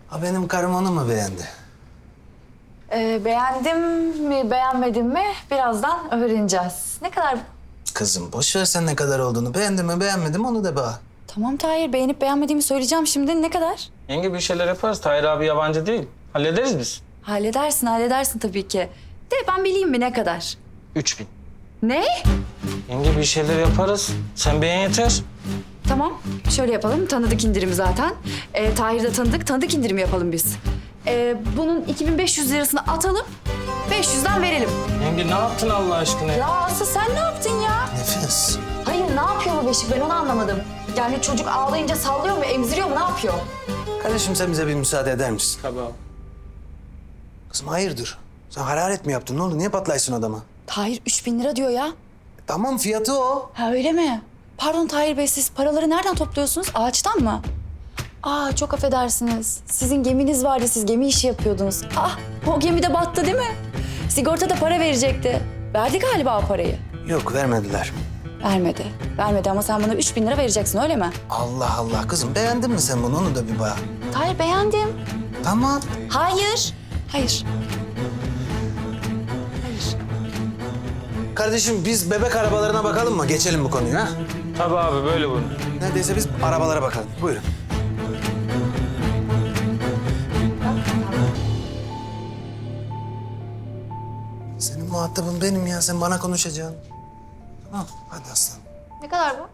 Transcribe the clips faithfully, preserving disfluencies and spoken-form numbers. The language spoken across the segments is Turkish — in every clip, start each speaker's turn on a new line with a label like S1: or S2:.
S1: Ha benim karım onu mu beğendi?
S2: Ee, beğendim mi, beğenmedim mi birazdan öğreneceğiz. Ne kadar?
S1: Kızım boş ver sen ne kadar olduğunu. Beğendim mi beğenmedim onu da bana.
S2: Tamam Tahir, beğenip beğenmediğimi söyleyeceğim şimdi. Ne kadar?
S3: Yenge bir şeyler yaparız. Tahir abi yabancı değil. Hallederiz biz.
S2: Halledersin, halledersin tabii ki. De ben bileyim mi ne kadar?
S3: Üç bin.
S2: Ne?
S3: Yenge bir şeyler yaparız. Sen beğen yeter.
S2: Tamam, şöyle yapalım. Tanıdık indirim zaten. Ee, Tahir de tanıdık, tanıdık indirim yapalım biz. Ee, bunun iki bin beş yüz lirasını atalım, beş yüzden verelim.
S3: Yenge ne yaptın Allah aşkına?
S2: Ya Aslı sen ne yaptın ya?
S1: Nefes.
S2: Hayır, ne yapıyor bu beşik? Ben onu anlamadım. Yani çocuk ağlayınca sallıyor mu, emziriyor mu, ne yapıyor?
S1: Kardeşim sen bize bir müsaade eder misin?
S3: Tabii abi.
S1: Kızım hayırdır? Sen hararet mi yaptın? Ne oldu? Niye patlaysın adama?
S2: Tahir üç bin lira diyor ya.
S1: E, tamam fiyatı o.
S2: Ha öyle mi? Pardon Tahir Bey, siz paraları nereden topluyorsunuz? Ağaçtan mı? Aa çok affedersiniz. Sizin geminiz vardı, siz gemi işi yapıyordunuz. Ah o gemi de battı değil mi? Sigorta da para verecekti. Verdi galiba o parayı.
S1: Yok vermediler.
S2: Vermedi. Vermedi ama sen bana üç bin lira vereceksin öyle mi?
S1: Allah Allah kızım beğendin mi sen bunu? Onu da bir bana.
S2: Tahir beğendim.
S1: Tamam.
S2: Hayır. Hayır. Hayır.
S1: Kardeşim biz bebek arabalarına bakalım mı? Geçelim bu konuyu ha?
S3: Tabii abi böyle bunu.
S1: Neredeyse biz arabalara bakalım. Buyurun. Senin muhatabın benim ya. Sen bana konuşacaksın. Tamam. Hadi aslanım.
S2: Ne kadar bu?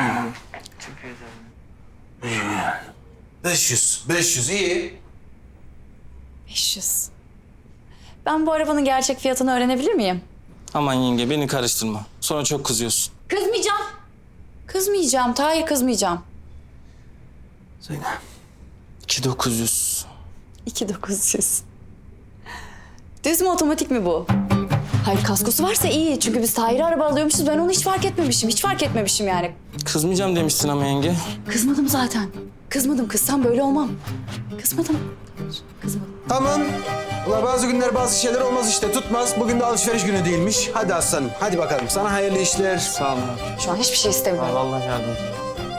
S1: beş yüz. beş yüz iyi.
S2: beş yüz. Ben bu arabanın gerçek fiyatını öğrenebilir miyim?
S3: Aman yenge beni karıştırma. Sonra çok kızıyorsun.
S2: Kızmayacağım. Kızmayacağım. Tahir kızmayacağım.
S1: Söyle.
S3: iki bin dokuz yüz.
S2: iki bin dokuz yüz. Düz mü otomatik mi bu? Hayır kaskosu varsa iyi. Çünkü biz Tahir'e araba alıyormuşuz. Ben onu hiç fark etmemişim. Hiç fark etmemişim yani.
S3: Kızmayacağım demiştin ama yenge.
S2: Kızmadım zaten. Kızmadım. Kızsam böyle olmam. Kızmadım. Kızmadım.
S1: Tamam. Ula bazı günler bazı şeyler olmaz işte. Tutmaz. Bugün de alışveriş günü değilmiş. Hadi aslanım. Hadi bakalım. Sana hayırlı işler.
S3: Sağ olun abi.
S2: Şu an hiçbir şey istemiyorum.
S3: Allah yardım et.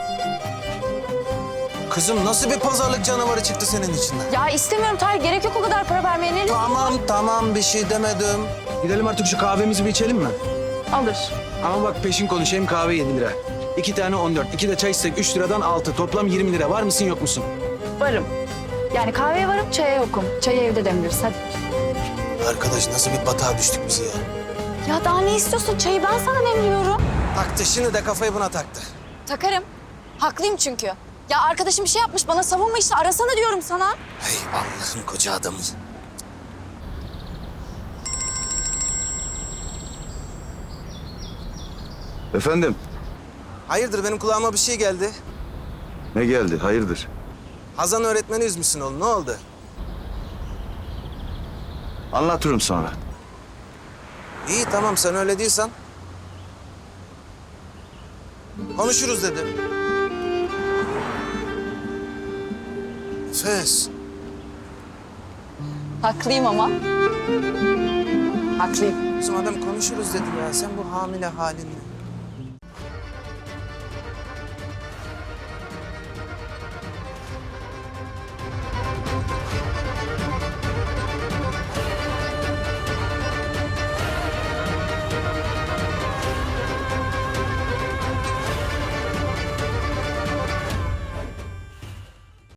S1: Kızım nasıl bir pazarlık canavarı çıktı senin içinden?
S2: Ya istemiyorum Tahir. Gerek yok o kadar para vermeye. Ne
S1: Tamam tamam bir şey demedim. Gidelim artık şu kahvemizi bir içelim mi?
S2: alır?
S1: Ama bak peşin konuşayım kahve yedi lira. İki tane on dört. İki de çay içsek üç liradan altı. Toplam yirmi lira. Var mısın yok musun?
S2: Varım. Yani kahveye varım, çaya yokum. Çayı evde demleriz. Hadi.
S1: Arkadaş nasıl bir batağa düştük biz ya?
S2: Ya daha ne istiyorsun? Çayı ben sana demliyorum.
S1: Taktı şimdi de kafayı buna taktı.
S2: Takarım. Haklıyım çünkü. Ya arkadaşım bir şey yapmış, bana savunma işte. Arasana diyorum sana.
S1: Hey Allah'ın koca adamı.
S4: Efendim,
S1: Hayırdır benim kulağıma bir şey geldi.
S4: ne geldi? Hayırdır?
S1: Hazan öğretmeni üzmüşsün oğlum. Ne oldu?
S4: Anlatırım sonra.
S1: İyi tamam sen öyle diyorsan. Konuşuruz dedi. Nefes.
S2: Haklıyım ama. Haklıyım.
S1: Bizim adam konuşuruz dedi ya. Sen bu hamile halinle.